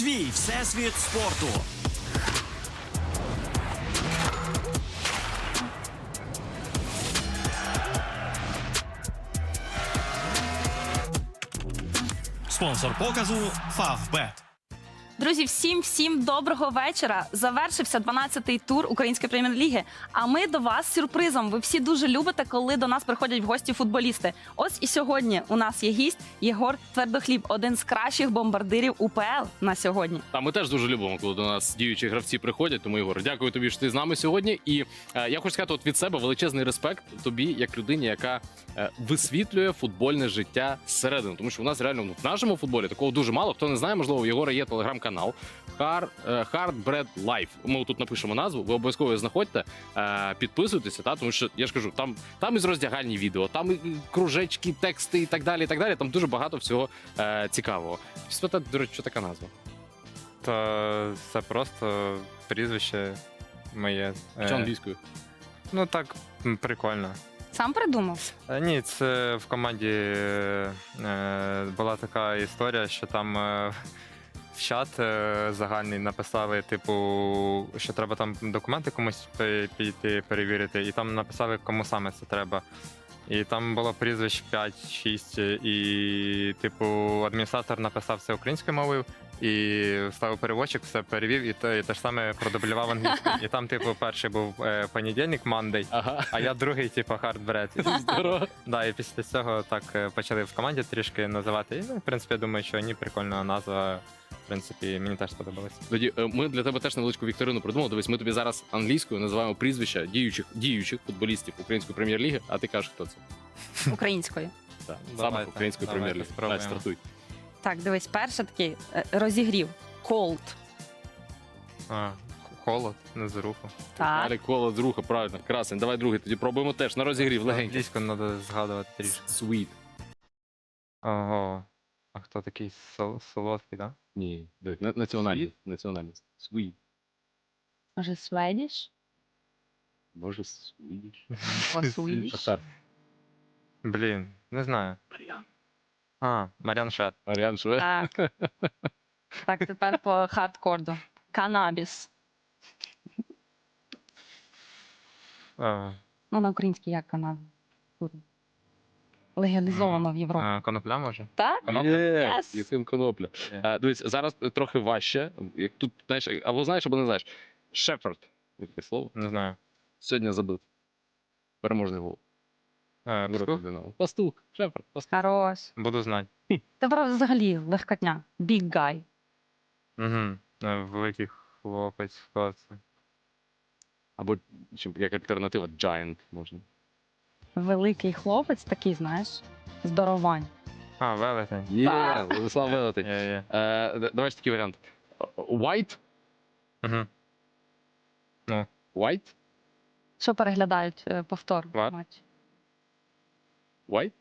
Твій всесвіт спорту. Спонсор показу Фавбет. Друзі, всім доброго вечора. Завершився 12-й тур Української прем'єр-ліги. А ми до вас з сюрпризом. Ви всі дуже любите, коли до нас приходять в гості футболісти. Ось і сьогодні у нас є гість Єгор Твердохліб, один з кращих бомбардирів УПЛ на сьогодні. Та ми теж дуже любимо, коли до нас діючі гравці приходять. Тому, Єгор, дякую тобі, що ти з нами сьогодні. І я хочу сказати, от від себе величезний респект тобі, як людині, яка висвітлює футбольне життя зсередини. Тому що у нас реально в нашому футболі такого дуже мало. Хто не знає, можливо, у Єгора є телеграм-канал Hard Bread Life. Ми тут напишемо назву. Ви обов'язково її знаходьте, підписуйтеся, тому що я ж кажу, там із роздягальні відео, там і кружечки, тексти і так далі. І так далі. Там дуже багато всього цікавого. Спитати, до речі, що така назва? Та це просто прізвище моє. Чи англійською? Ну так, прикольно. Сам придумав? Ні, це в команді була така історія, що там в чат загальний написали, типу, що треба там документи комусь піти перевірити, і там написали, кому саме це треба. І там було прізвищ 5-6, і, типу, адміністратор написав це українською мовою, і ставив переводчик, все перевів, і те ж саме продублював англійською. І там, типу, перший був понедільник, Monday, Ага. а я другий, типу, Hard Bread. Здорово. Да, і після цього так почали в команді трішки називати. І, ну, в принципі, я думаю, що ні, прикольна назва. В принципі, мені теж сподобалось. Тоді ми для тебе теж невеличку вікторину придумали. Дивись, ми тобі зараз англійською називаємо прізвища діючих футболістів Української прем'єр-ліги, а ти кажеш, хто це? Українською. Так, Давайте, саме Української давайте прем'єр-ліги. спробуємо. Давай, стартуй. Так, дивись, перший такий розігрів. Cold. Холод, не з руху. Так. Далі коло з руха, правильно. Красень. Давай другий, тоді пробуємо теж на розігрів легенький. Англійську треба згадувати трішки. Sweet. Ого. А хто такий солодкий, так? Ні, національність. Національність. Sweet. Може, Swedish? Може, Swedish. О, Swedish? Шахтар. Блін, не знаю. Маріан Шет. Аріан Шве. Так. Так, тепер по хардкорду. Канабіс. Ну, на українській як канабіс? Легалізовано в Європі. Конопля, може? Так? Є, Yes. Єфим Конопля. Є. Дивись, зараз трохи важче. Як тут, знаєш, або знаєш, або не знаєш. Шеферд. Таке слово. Не знаю. Сьогодні забив. Переможний гол. Пастух? Пастух. Шеферд. Пастух. Хорош. Буду знати. Тепер взагалі легкотня. Big guy. Угу. Великий хлопець, хто це? Або як альтернатива Giant можна. Великий хлопець, такий, знаєш, здоровань. Велетень. Є, Владислав Велетень. Є. Давай ж такий варіант. White? Угу. White? Що переглядають повтор Вар? матчу? White?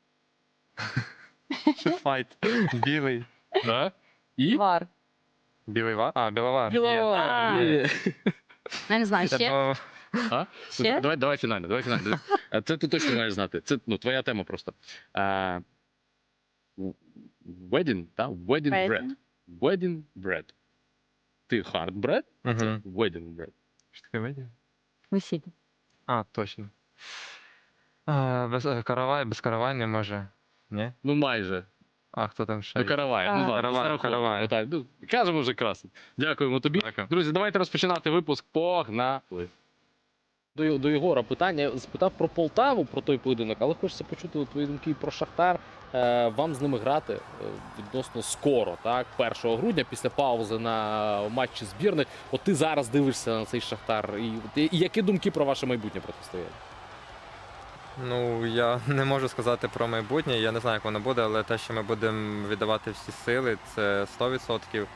Файт. Білий. Да. І? Вар. Білий вар? Біловар. Біловар. Є. Я не знаю, ще? А? Ще? Давай фінально. Це ти точно маєш знати. Це твоя тема просто. Wedding, так? Wedding bread. Wedding bread. Ти hard bread, це Угу. wedding bread. Що таке видів? Весілля. Точно. Без каравай не може. Ні? Ну майже. А хто там ще? Ну, каравай. Ну, ладно, Каравай, зараховуємо. каравай. Отак, ну, кажемо вже красно. Дякуємо тобі. Дякую. Друзі, давайте розпочинати випуск. Погнали. До Єгора питання. Я спитав про Полтаву, про той поєдинок, але хочеться почути твої думки і про Шахтар. Вам з ними грати відносно скоро, так? 1 грудня, після паузи на матчі збірних. От ти зараз дивишся на цей Шахтар. І які думки про ваше майбутнє протистояння? Ну, я не можу сказати про майбутнє, я не знаю, як воно буде, але те, що ми будемо віддавати всі сили, це 100%.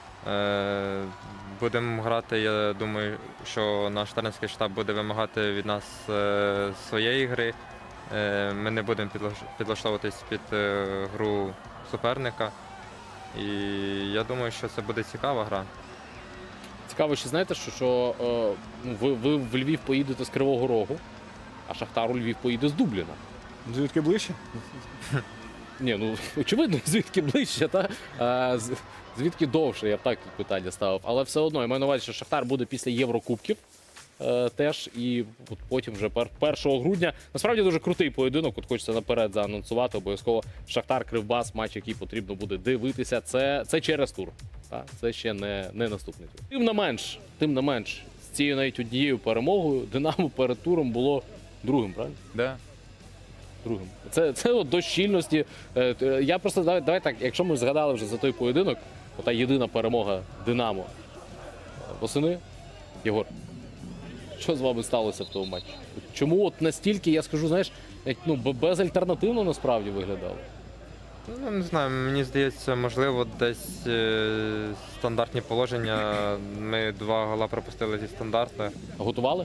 Будемо грати, я думаю, що наш тренерський штаб буде вимагати від нас своєї гри. Ми не будемо підлаштовуватись під гру суперника. І я думаю, що це буде цікава гра. Цікаво, ще знаєте, що ви в Львів поїдете з Кривого Рогу, а Шахтар у Львів поїде з Дубліна. Звідки ближче? Ні, ну очевидно, звідки ближче, та? Звідки довше, я б так тут питання ставив. Але все одно, я маю на увазі, що Шахтар буде після Єврокубків теж. І от потім вже 1 грудня. Насправді дуже крутий поєдинок. От хочеться наперед заанонсувати. Обов'язково Шахтар-Кривбас, матч, який потрібно буде дивитися. Це через тур. Так? Це ще не наступний тур. Тим не менш, з цією навіть однією перемогою Динамо перед туром було другим, правильно? Да. Другим. Це от до щільності. Я просто давай так, якщо ми згадали вже за той поєдинок, ота єдина перемога Динамо восени, Єгор, що з вами сталося в тому матчі? Чому от настільки, я скажу, знаєш, безальтернативно насправді виглядало? Ну, не знаю, мені здається, можливо, десь стандартні положення. Ми 2 гола пропустили зі стандарту. Готували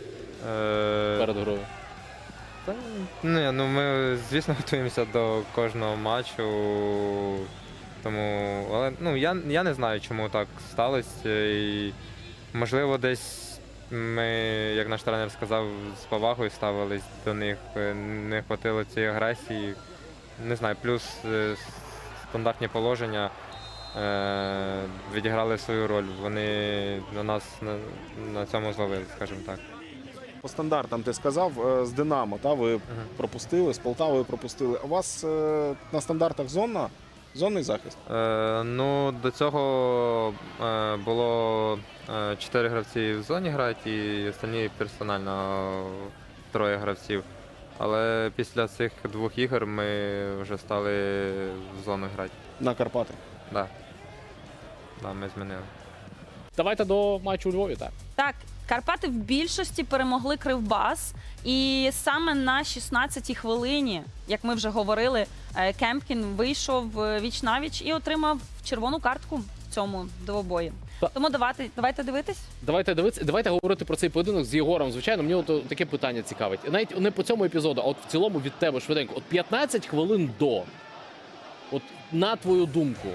перед грою? Та, ні, ну ми, звісно, готуємося до кожного матчу. Тому, але я не знаю, чому так сталося. І, можливо, десь ми, як наш тренер сказав, з повагою ставились до них, не хватило цієї агресії. Не знаю, плюс стандартні положення відіграли свою роль. Вони на нас на цьому зловили, скажімо так. По стандартам ти сказав, з Динамо, ви пропустили, з Полтавою пропустили. У вас на стандартах зонний захист? Ну, до цього було 4 гравці в зоні грають і останні персонально 3 гравців. Але після цих 2 ігор ми вже стали в зону грати. На Карпати. Да. Да, ми змінили. Давайте до матчу у Львові, так. Так, Карпати в більшості перемогли Кривбас. І саме на 16-й хвилині, як ми вже говорили, Кемпкін вийшов віч-навіч і отримав червону картку в цьому двобої. Тому давайте дивитись. Давайте дивитися, давайте говорити про цей поєдинок з Єгором. Звичайно, мені от таке питання цікавить. Навіть не по цьому епізоду, а от в цілому від тебе швиденько. От 15 хвилин до. От на твою думку,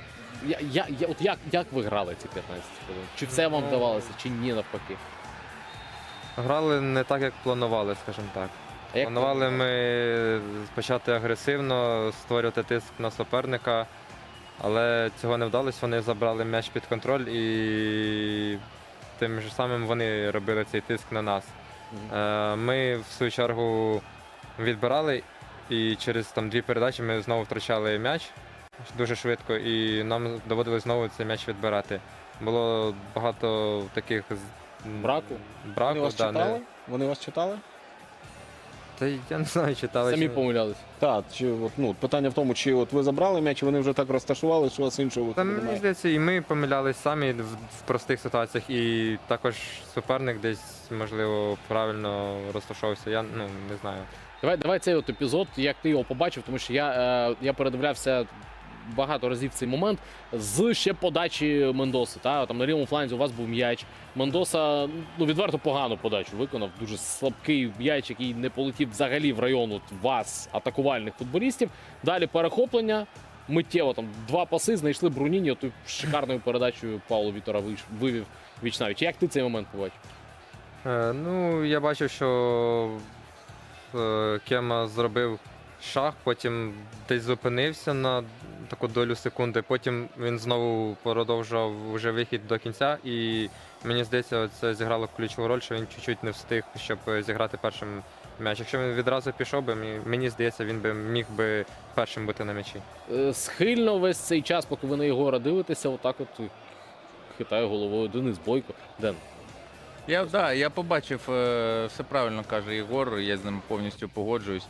як ви грали ці 15 хвилин? Чи все вам вдавалося, чи ні навпаки? Грали не так, як планували, скажімо так. А як Планували ми почати агресивно, створювати тиск на суперника, але цього не вдалося. Вони забрали м'яч під контроль і тим же самим вони робили цей тиск на нас. Ми, в свою чергу, відбирали і через 2 передачі ми знову втрачали м'яч дуже швидко і нам доводилось знову цей м'яч відбирати. Було багато таких Браку? Вони вас да, читали? Вони вас читали? Та я не знаю, читали. Самі чи- помилялись. Так, питання в тому, чи от ви забрали м'яч, і вони вже так розташували, що у вас іншого Та виходу мені немає. здається, і ми помилялись самі в простих ситуаціях, і також суперник десь, можливо, правильно розташовувався. Я не знаю. Давай цей от епізод, як ти його побачив, тому що я передивлявся багато разів цей момент з ще подачі Мендоси. Там на лівому фланзі у вас був м'яч. Мендоса відверто погану подачу виконав. Дуже слабкий м'яч, який не полетів взагалі в район от вас, атакувальних футболістів. Далі перехоплення. Миттєво 2 паси знайшли Бруніні, оту шикарною передачею Павло Вітора вивів віч-навіч. Як ти цей момент побачив? Я бачив, що Кема зробив шаг, потім десь зупинився на таку долю секунди, потім він знову продовжував вже вихід до кінця, і мені здається, це зіграло ключову роль, що він чуть-чуть не встиг, щоб зіграти першим м'яч. Якщо він відразу пішов би, мені здається, він би міг би першим бути на м'ячі. Схильно весь цей час, поки ви на Єгора дивитеся, отак от хитає головою Денис Бойко. Ден. Я побачив, все правильно каже Єгор, я з ним повністю погоджуюсь.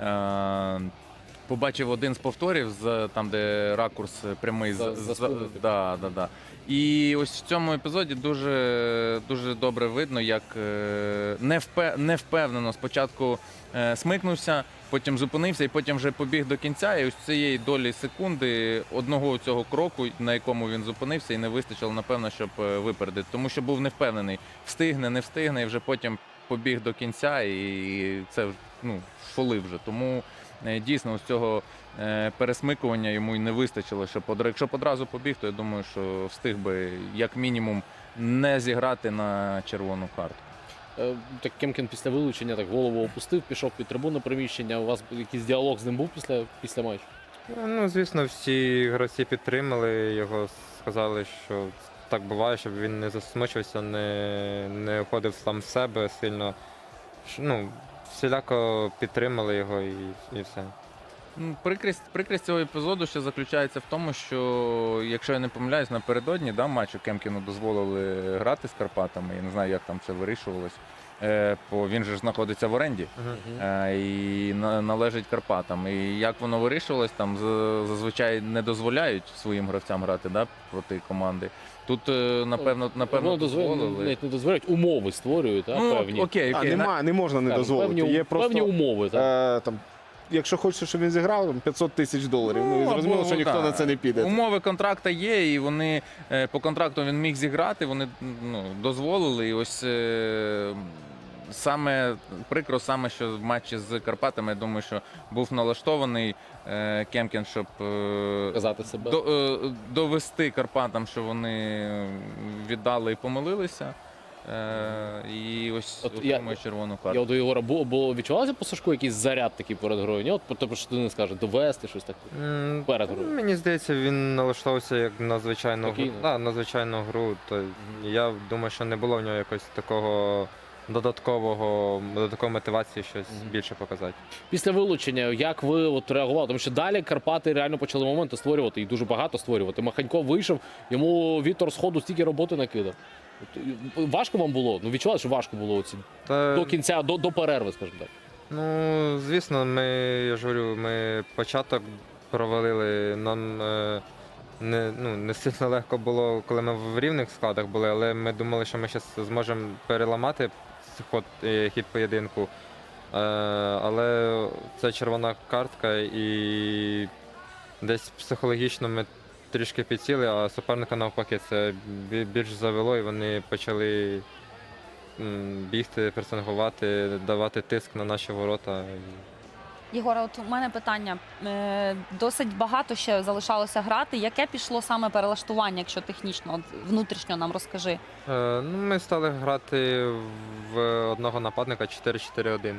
Побачив один з повторів, там, де ракурс прямий. За спиною. Да. І ось в цьому епізоді дуже, дуже добре видно, як невпевнено спочатку смикнувся, потім зупинився і потім вже побіг до кінця. І ось цієї долі секунди одного цього кроку, на якому він зупинився, і не вистачило, напевно, щоб випередити. Тому що був невпевнений, встигне, не встигне, і вже потім побіг до кінця, і це фолив вже. Тому дійсно ось цього пересмикування йому й не вистачило. Якщо б одразу побіг, то я думаю, що встиг би як мінімум не зіграти на червону картку. Так Кемкін після вилучення голову опустив, пішов під трибунне приміщення. У вас якийсь діалог з ним був після матчу? Ну, звісно, всі гравці підтримали його, сказали, що так буває, щоб він не засмучився, не уходив сам в себе сильно. Ну, всіляко підтримали його і все. Ну, прикрість цього епізоду ще заключається в тому, що, якщо я не помиляюсь, напередодні матчу Кемкіну дозволили грати з Карпатами. Я не знаю, як там це вирішувалось. Бо він же ж знаходиться в оренді і належить Карпатам. І як воно вирішувалось, там зазвичай не дозволяють своїм гравцям грати проти команди. Тут, напевно, дозволили. Навіть не дозволяють, умови створюють, певні. Окей. Не можна не Так, дозволити. Є просто, певні умови. Так. там, якщо хочеш, щоб він зіграв, там, $500 тисяч. Ну, і зрозуміло, що ніхто на це не піде. Умови контракту є, і вони по контракту він міг зіграти, вони дозволили. І ось саме прикро, що в матчі з Карпатами, я думаю, що був налаштований Кемкін, щоб Казати себе. довести Карпатам, що вони віддали і помилилися. І ось отримує червону карту. Я до Єгора відчувалося по Сашку якийсь заряд такий перед грою? Ні, от що ти не скажеш, довести щось таке перед грою. Мені здається, він налаштовувався як на звичайну гру. Спокійно. Да, на звичайну гру. То я думаю, що не було в нього якогось такого додаткової мотивації щось більше показати. Після вилучення, як ви от реагували? Тому що далі Карпати реально почали моменти створювати, і дуже багато створювати. Маханько вийшов, йому Віктор з ходу стільки роботи накидав. Важко вам було? Ну, відчували, що важко було до кінця, до перерви, скажімо так. Ну, звісно, я ж говорю, ми початок провалили. Нам не сильно легко було, коли ми в рівних складах були, але ми думали, що ми зараз зможемо переламати хід поєдинку. Але це червона картка, і десь психологічно ми трішки підсіли, а суперника навпаки це більш завело, і вони почали бігти, пресингувати, давати тиск на наші ворота. Єгора, от у мене питання. Досить багато ще залишалося грати. Яке пішло саме перелаштування, якщо технічно, от внутрішньо нам розкажи? Ми стали грати в одного нападника 4-4-1.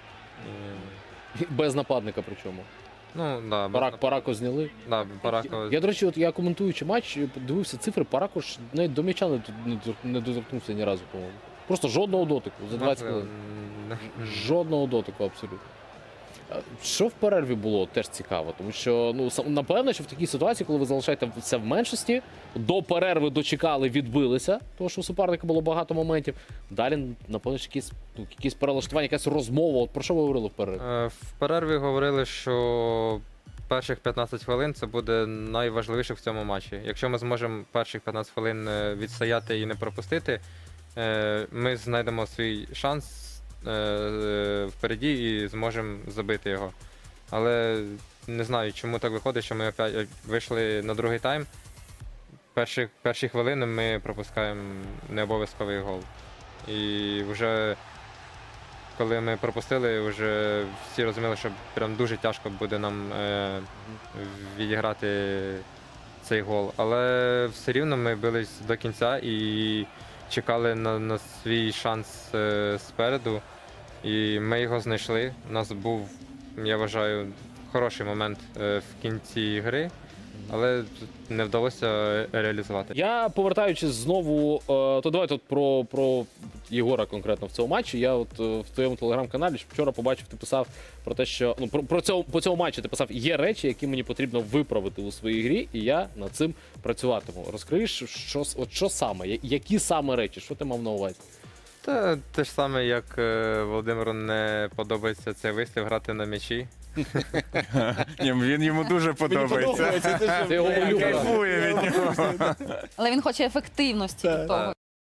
Без нападника причому. Ну, да, Парако зняли. Да, Парако. Я, до речі, я коментуючи матч, дивився цифри, Парако ж навіть до м'яча не доторкнувся ні разу, по-моєму. Просто жодного дотику за 20 хвилин. Жодного дотику абсолютно. Що в перерві було, теж цікаво, тому що, напевно, що в такій ситуації, коли ви залишаєтеся в меншості, до перерви дочекали, відбилися, тому що у суперника було багато моментів. Далі, напевно, що якісь перелаштування, якась розмова. От про що ви говорили в перерві? В перерві говорили, що перших 15 хвилин це буде найважливіше в цьому матчі. Якщо ми зможемо перших 15 хвилин відстояти і не пропустити, ми знайдемо свій шанс впереді і зможемо забити його. Але не знаю, чому так виходить, що ми опять вийшли на другий тайм. Перші хвилини ми пропускаємо необов'язковий гол. І вже коли ми пропустили, вже всі розуміли, що прям дуже тяжко буде нам відіграти цей гол. Але все рівно ми бились до кінця і чекали на свій шанс спереду. І ми його знайшли. У нас був, я вважаю, хороший момент в кінці гри, але не вдалося реалізувати. Я, повертаючись знову, то давайте про Єгора конкретно в цьому матчі. Я в твоєму телеграм-каналі вчора побачив, ти писав про те, що по цьому матчі ти писав, є речі, які мені потрібно виправити у своїй грі, і я над цим працюватиму. Розкриєш, що саме, які саме речі, що ти мав на увазі? Те ж саме, як Володимиру не подобається цей вислів грати на м'ячі. Він йому дуже подобається. Це його улюблено. Кайфує від нього. Але він хоче ефективності від того.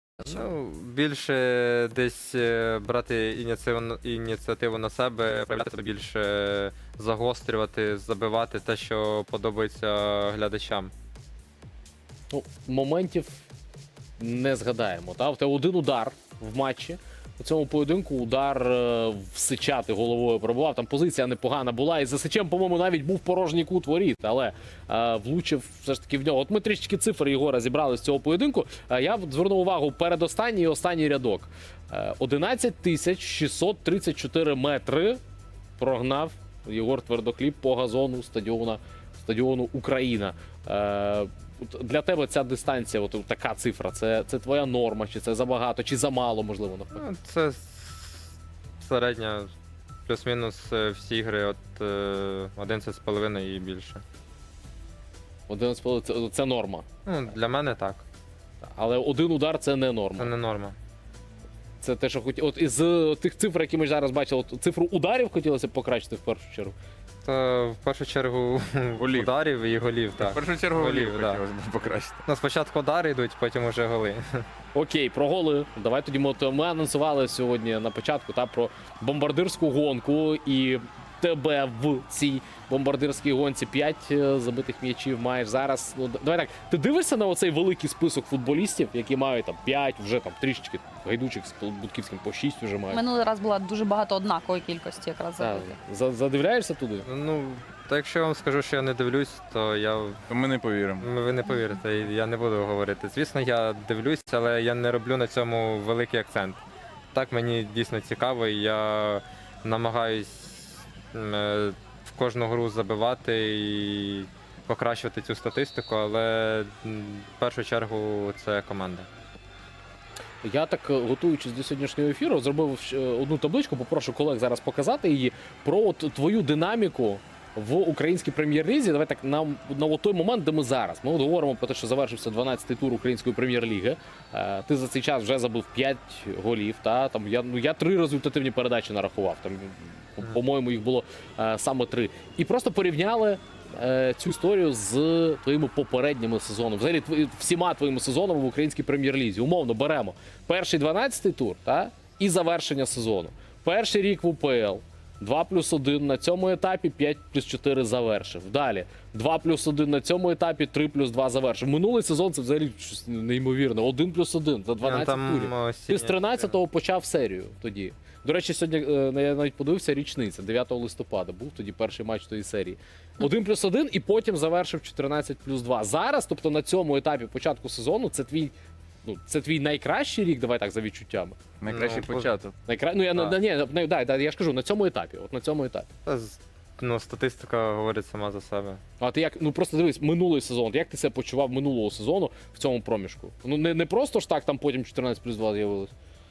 Більше десь брати ініціативу на себе, проявляти себе більше, загострювати, забивати те, що подобається глядачам. Моментів не згадаємо. В тебе один удар в матчі. У цьому поєдинку удар в Сичати головою пробував. Там позиція непогана була. І за Сичем, по-моєму, навіть був порожній кут воріт, але влучив все ж таки в нього. От ми трішки цифр Єгора зібрали з цього поєдинку. Я звернув увагу передостанній і останній рядок. 11 634 метри прогнав Єгор Твердохліб по газону стадіона стадіону Україна. От для тебе ця дистанція, от така цифра, це твоя норма, чи це забагато, чи замало, можливо, навпаки? Ну, це середня, плюс-мінус всі ігри от 11,5 і більше. 11,5 це норма. Ну, для мене так. Але один удар це не норма. Це не норма. Це те, що от із тих цифр, які ми зараз бачили, от цифру ударів хотілося б покращити в першу чергу. То в першу чергу Голів. ударів і голів, В так. першу чергу Голів, голів да. хотілося б покращити. Ну, спочатку удари йдуть, потім уже голи. Окей, про голи. Давай тоді ми анонсували сьогодні на початку про бомбардирську гонку, і тебе в цій бомбардирській гонці 5 забитих м'ячів маєш зараз. Ну, давай так, ти дивишся на оцей великий список футболістів, які мають 5, вже трішечки гайдучих з Будківським по 6 вже мають. Минулий раз була дуже багато однакової кількості якраз Так, забитих. задивляєшся туди? Ну, то якщо я вам скажу, що я не дивлюсь, то То ми не повіримо. ви не повірите, і я не буду говорити. Звісно, я дивлюсь, але я не роблю на цьому великий акцент. Так мені дійсно цікаво, і я намагаюсь в кожну гру забивати і покращувати цю статистику, але в першу чергу це команда. Я так, готуючись до сьогоднішнього ефіру, зробив одну табличку, попрошу колег зараз показати її, про от твою динаміку в українській прем'єр-лізі. Давай так, на той момент, де ми зараз. Ми от говоримо про те, що завершився 12-й тур української прем'єр-ліги. Ти за цей час вже забив 5 голів. Я 3 результативні передачі нарахував. По-моєму, їх було саме 3. І просто порівняли цю історію з твоїми попередніми сезонами. Взагалі, всіма твоїми сезонами в українській прем'єр-лізі. Умовно, беремо перший 12-й тур і завершення сезону. Перший рік в УПЛ. 2+1 на цьому етапі, 5+4 завершив. Далі 2+1 на цьому етапі, 3+2 завершив. Минулий сезон це взагалі щось неймовірне. 1+1 за 12 турів. Ти з 13-го почав серію тоді. До речі, сьогодні я навіть подивився, річниця, 9 листопада був тоді перший матч тої серії. 1+1 і потім завершив 14+2. Зараз, тобто на цьому етапі початку сезону, це твій найкращий рік, давай так, за відчуттями. Найкращий Ну, початок. Я ж кажу, на цьому етапі. От на цьому етапі. Статистика говорить сама за себе. А ти як, просто дивись, минулий сезон, як ти себе почував минулого сезону в цьому проміжку? Не просто ж так там потім 14+2 з'явилось.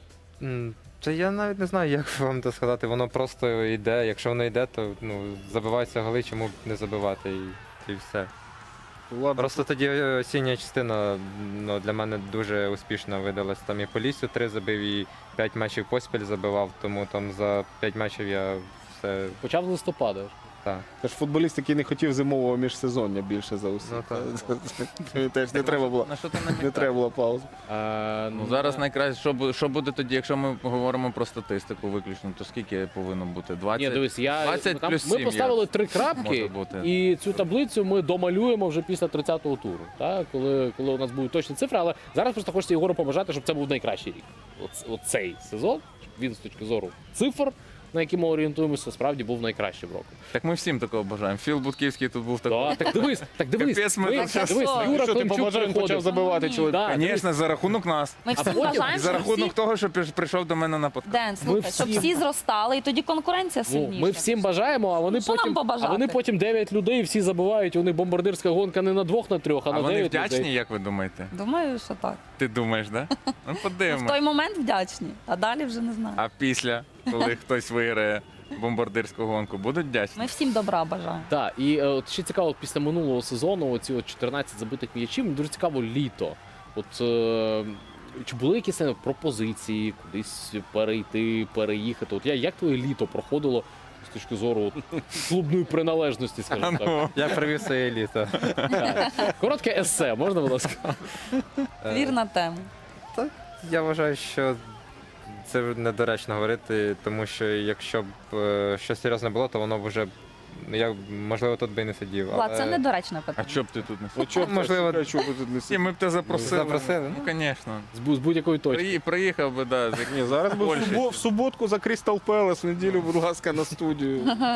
Це я навіть не знаю, як вам це сказати. Воно просто йде. Якщо воно йде, то забиваються голи, чому б не забивати і все. Просто тоді осіння частина для мене дуже успішно видалась. Там і по лісу 3 забив, і 5 матчів поспіль забивав, тому там за 5 матчів я все. Почав з листопада. Так. Це ж футболіст, який не хотів зимового міжсезоння більше за усіх. Ну, так. Теж не треба було. На що ти Не намікаєш? треба було паузи. Ну, зараз найкраще, що буде тоді, якщо ми говоримо про статистику виключно, то скільки повинно бути? 20? Ні, дивись, 20 плюс ми 7 поставили 3 може крапки, бути. і цю таблицю ми домалюємо вже після 30-го туру, коли у нас будуть точні цифри. Але зараз просто хочеться Єгору побажати, щоб це був найкращий рік. Оцей сезон, щоб він з точки зору цифр, на які ми орієнтуємося, справді був найкращим роком. Так ми всім такого бажаємо. Філ Будківський тут був такий. Так дивись. Капець, ми тут щас- Дивись, Що? Юра Що ти Климчук побажав, почав приходив. забивати чоловік? Да, дивись, Звісно, за рахунок нас. Ми всі потім- бажаємо, І за щоб рахунок всі... того, що прийшов до мене на подкаст. Ден, слухай, щоб всі- всі зростали, і тоді конкуренція сильніша. ми всім бажаємо, а вони Що нам побажати? а вони потім 9 людей всі забувають. У них бомбардирська гонка не на 2, на 3, а А на вони 9 вдячні, людей. як ви думаєте? Думаю, що так. Ти думаєш, да? Ну В той подивимось. момент вдячні, а далі вже не знаю. А після, коли хтось виграє бомбардирську гонку, будуть вдячні? Ми всім добра бажаємо. Так, і от ще цікаво, от після минулого сезону, оці 14 забитих м'ячів, мені дуже цікаво літо. Чи були якісь пропозиції кудись перейти, переїхати? Як твоє літо проходило з точки зору клубної приналежності, скажімо так? Я привів своє літо. Так. Коротке есе, можна, будь ласка? Вірна тема. Я вважаю, що це недоречно говорити, тому що якщо б щось серйозне було, то воно б вже, я, можливо, тут би і не сидів. Влад, це недоречне А питання. чого б ти тут не От чого, Можливо, чого ви тут не І сидите? ми б тебе запросили. Запросили? Ну, звісно. З будь-якої точки. Приїхав би, да. Ні, зараз би Польщі. в суботку за Крістал Пелес, в неділю, будь ласка, на студію.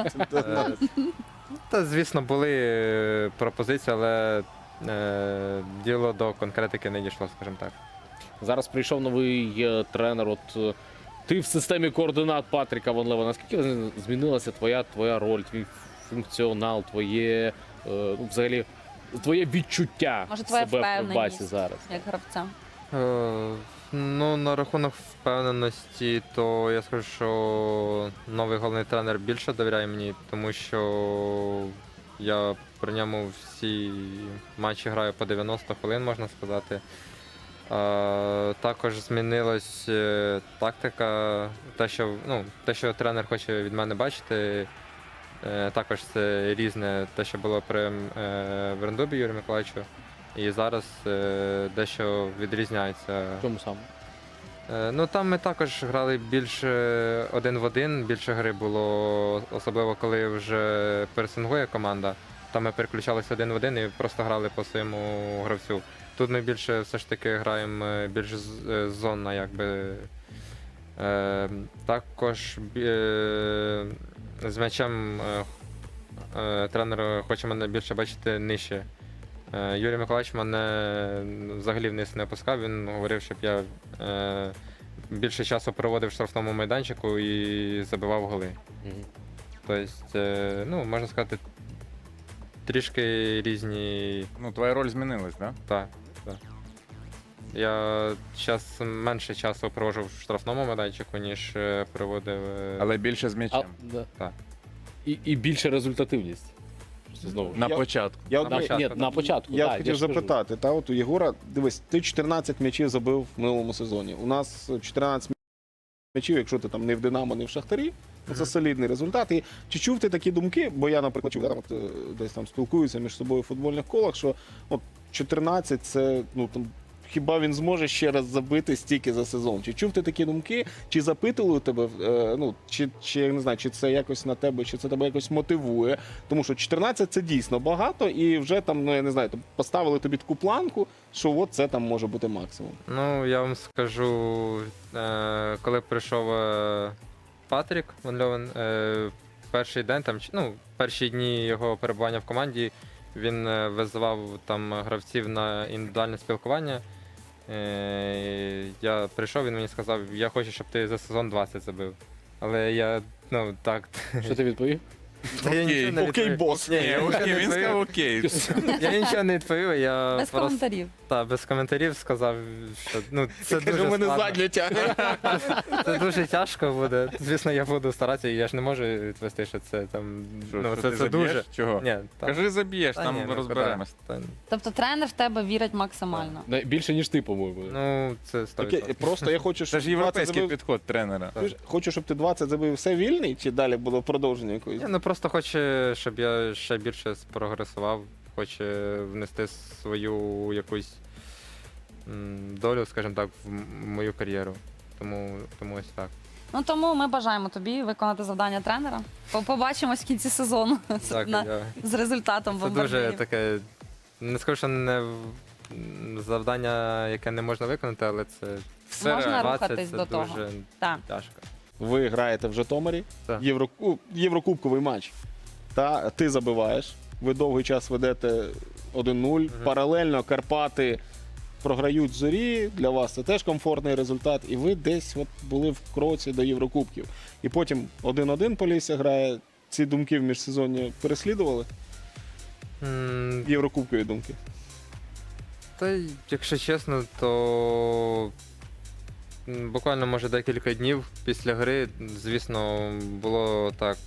Та, звісно, були пропозиції, але діло до конкретики не дійшло, скажімо так. Зараз прийшов новий тренер. Ти в системі координат Патріка Ван Лева. Наскільки змінилася твоя роль, твій функціонал, твоє взагалі, твоє відчуття Може, твоя себе в впевненість? Кривбасі зараз? Як гравця? Ну, на рахунок впевненості, то я скажу, що новий головний тренер більше довіряє мені, тому що я при ньому всі матчі граю по 90 хвилин, можна сказати. Також змінилась тактика, те, що тренер хоче від мене бачити. Також це різне, те, що було при Верндубі Юрію Миколаївичу. І зараз дещо відрізняється. В чому саме? Ну там ми також грали більше один в один, більше гри було, особливо коли вже пересингує команда. Там ми переключалися один в один і просто грали по своєму гравцю. Тут ми більше все ж таки граємо більш зонно, якби. Також з м'ячем тренер хоче мене більше бачити нижче. Юрій Миколаївич мене взагалі вниз не опускав, він говорив, щоб я більше часу проводив в штрафному майданчику і забивав голи. Тобто, ну, можна сказати, трішки різні. Ну, твоя роль змінилась, так? Так, так. Я зараз менше часу проводжу в штрафному майданчику, ніж проводив. Але більше з м'ячем. Так. І більша результативність. Просто знову. На Я- початку. Я, На початку. Ні, на початку. я так, хотів ж кажу. запитати, та от у Єгора, дивись, ти 14 м'ячів забив в минулому сезоні. У нас 14 м'ячів, якщо ти там не в Динамо, не в Шахтарі, це солідний результат. І чи чув ти такі думки? Бо я, наприклад, чув, от, десь там спілкуюся між собою в футбольних колах, що от 14 це, ну там. Хіба він зможе ще раз забити стільки за сезон? Чи чув ти такі думки? Чи запитували у тебе? Ну чи я не знаю, чи це якось на тебе, чи це тебе якось мотивує? Тому що 14 це дійсно багато, і вже там, ну я не знаю, поставили тобі таку планку, що от це там може бути максимум. Ну, я вам скажу, коли прийшов Патрік Ван Льовен, перший день, перші дні його перебування в команді, він визивав там гравців на індивідуальне спілкування. Я прийшов, він мені сказав, я хочу, щоб ти за сезон 20 забив. Але я, так. Що ти відповів? Та я нічого не Окей, відповів. бос. Ні, я нічого не Він сказав відповів. окей. Я нічого не відповів, я Без просто коментарів. без коментарів сказав, що це дуже Каже, мене складно. задню тягне. Це дуже тяжко буде. Звісно, я буду старатися, і я ж не можу відвести, що це там. Що, Це ти це дуже. заб'єш? Чого? Ні, та- Кажи, заб'єш, та там ні, ну, розберемось. та- Тобто тренер в тебе вірить максимально. Більше, ніж ти, по-моєму. Ну, це 100%. Окей, просто я хочу, Це щоб ж 20 європейський забив. підход тренера. Хочу, щоб ти 20 забив все вільний, чи далі було продовження якоїсь? Ні, просто хоче, щоб я ще більше спрогресував, хоче внести свою якусь долю, скажімо так, в мою кар'єру. Тому ось так. Ну тому ми бажаємо тобі виконати завдання тренера. Побачимось в кінці сезону Так, з результатом це дуже бомбардирів. таке. Не скажу, що не завдання, яке не можна виконати, але це Все Можна реально. 20 рухатись це до того. дуже Так. тяжко. Ви граєте в Житомирі, Так. Єврокубковий матч. Та ти забиваєш, ви довгий час ведете 1-0. Паралельно Карпати програють Зорі. Для вас це теж комфортний результат. І ви десь от були в кроці до Єврокубків. І потім 1-1 Полісся грає. Ці думки в міжсезонні переслідували? М, Єврокубкові думки. Та, якщо чесно, то буквально, може, декілька днів після гри, звісно, було так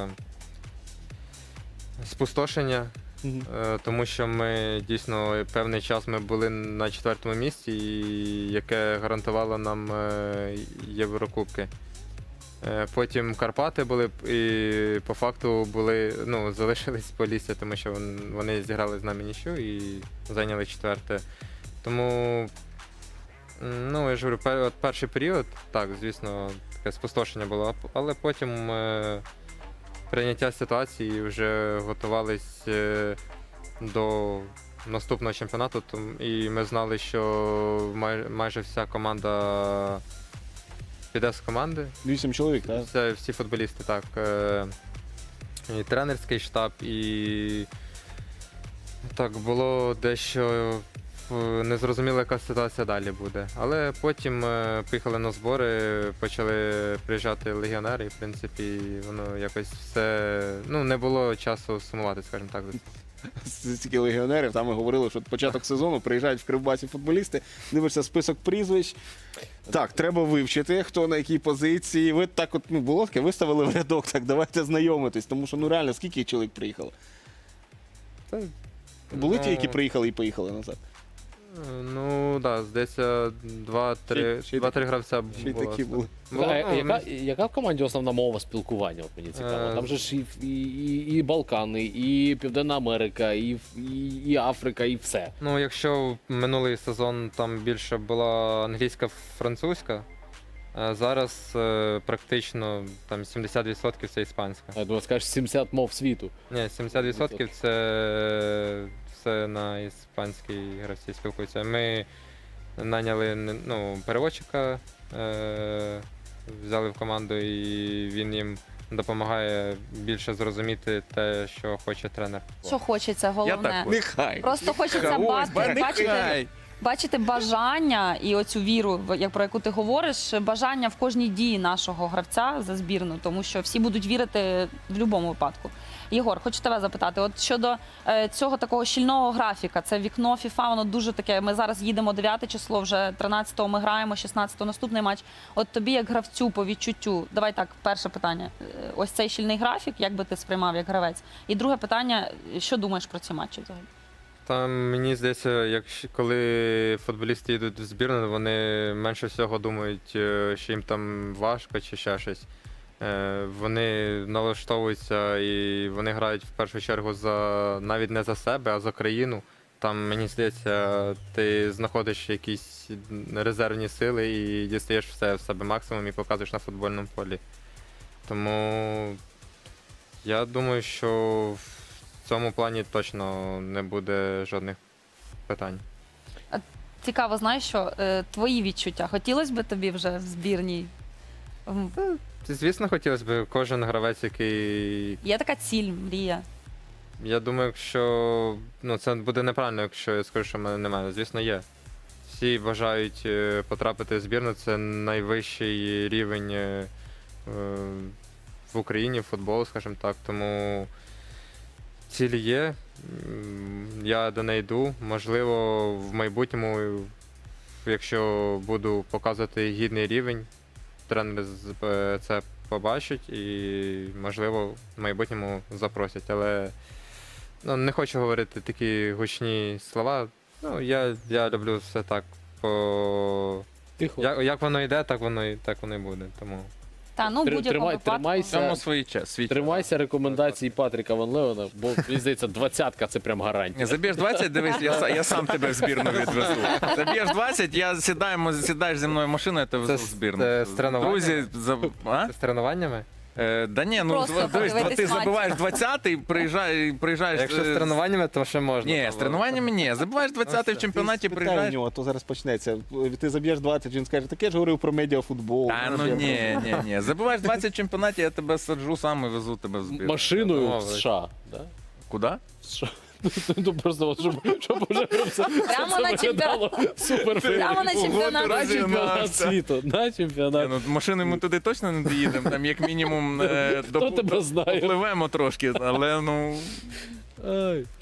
спустошення, тому що ми дійсно певний час ми були на 4-му місці, яке гарантувало нам Єврокубки. Потім Карпати були і по факту залишились в Полісся, тому що вони зіграли з нами нічю і зайняли 4-те. Тому, я ж говорю, перший період, так, звісно, таке спустошення було, але потім прийняття ситуації вже готувались до наступного чемпіонату, і ми знали, що майже вся команда піде з команди. 8 чоловік, так? Це всі футболісти, так. І тренерський штаб, і так, було дещо незрозуміло, яка ситуація далі буде. Але потім поїхали на збори, почали приїжджати легіонери, і в принципі воно якось все. Не було часу сумувати, скажімо так. стільки легіонерів, там ми говорили, що початок сезону приїжджають в Кривбасі футболісти, дивишся список прізвищ. Так, треба вивчити, хто на якій позиції. Ви так от, було таке, виставили в рядок, так, давайте знайомитись, тому що, реально, скільки чоловік приїхало? Були ті, які приїхали і поїхали назад? Ну, так, да, здається, Ще й 2-3 гравця Ще й було. такі були. Яка в команді основна мова спілкування? От мені цікаво. Там же ж і Балкани, і Південна Америка, і Африка, і все. Ну, якщо минулий сезон там більше була англійська, французька, а зараз практично там 70% це іспанська. Я думаю, скажеш 70 мов світу. Ні, 70% це все на іспанській гравці спілкуються. Ми наняли переводчика, взяли в команду, і він їм допомагає більше зрозуміти те, що хоче тренер. Що хочеться, головне. Нехай. Просто хочеться бачити бажання і оцю віру, про яку ти говориш, бажання в кожній дії нашого гравця за збірну, тому що всі будуть вірити в будь-якому випадку. Єгор, хочу тебе запитати, от щодо цього такого щільного графіка, це вікно FIFA, воно дуже таке, ми зараз їдемо 9 число, вже 13-го ми граємо, 16-го наступний матч. От тобі як гравцю по відчуттю, давай так, перше питання, ось цей щільний графік, як би ти сприймав як гравець? І друге питання, що думаєш про ці матчі взагалі? Там мені здається, коли футболісти йдуть в збірну, вони менше всього думають, що їм там важко чи ще щось. Вони налаштовуються і вони грають в першу чергу навіть не за себе, а за країну. Там, мені здається, ти знаходиш якісь резервні сили і дістаєш все в себе максимум і показуєш на футбольному полі. Тому я думаю, що в цьому плані точно не буде жодних питань. Цікаво, знаєш, що твої відчуття? Хотілося б тобі вже в збірній? Звісно, хотілося б, кожен гравець, який. Є така ціль, мрія? Я думаю, якщо це буде неправильно, якщо я скажу, що в мене немає. Звісно, є. Всі бажають потрапити в збірну, це найвищий рівень в Україні футболу, скажімо так. Тому ціль є, я до неї йду. Можливо, в майбутньому, якщо буду показувати гідний рівень, тренери це побачать і, можливо, в майбутньому запросять. Але не хочу говорити такі гучні слова. Я люблю все так. Тихо. Як воно йде, так воно і буде. Тому. Та, в будь-якому випадку. В цьому свій час. Тримайся рекомендацій Патріка Ван Леона, бо, мені здається, 20-ка це прям гарантія. Заб'єш 20, дивись, я сам тебе в збірну відвезу. Заб'єш 20, сідаєш зі мною в машину, я тебе везу в збірну. Це з тренуваннями? Друзі, З тренуваннями? Да ні, Просто дивись, подивитись ти матч. забиваєш 20-й, приїжджаєш. Якщо з тренуваннями, то ще можна. Ні, з тренуваннями ні. Забиваєш 20-й в чемпіонаті, Спитай у приїжджаєш. нього, то зараз почнеться. Ти заб'єш 20, він скаже, таке ж говорив про медіафутбол. Та ні. Забиваєш 20 в чемпіонаті, я тебе саджу сам і везу тебе в збірну. Машиною в Домовились. США. Да? Куди? В США. Ну просто, щоб уже все Прямо на виглядало супер. Прямо на чемпіонат. На чемпіонат світу. На чемпіонат. Машиною ми туди точно не доїдемо, там як мінімум Хто тебе знає? допливемо трошки, але Ай.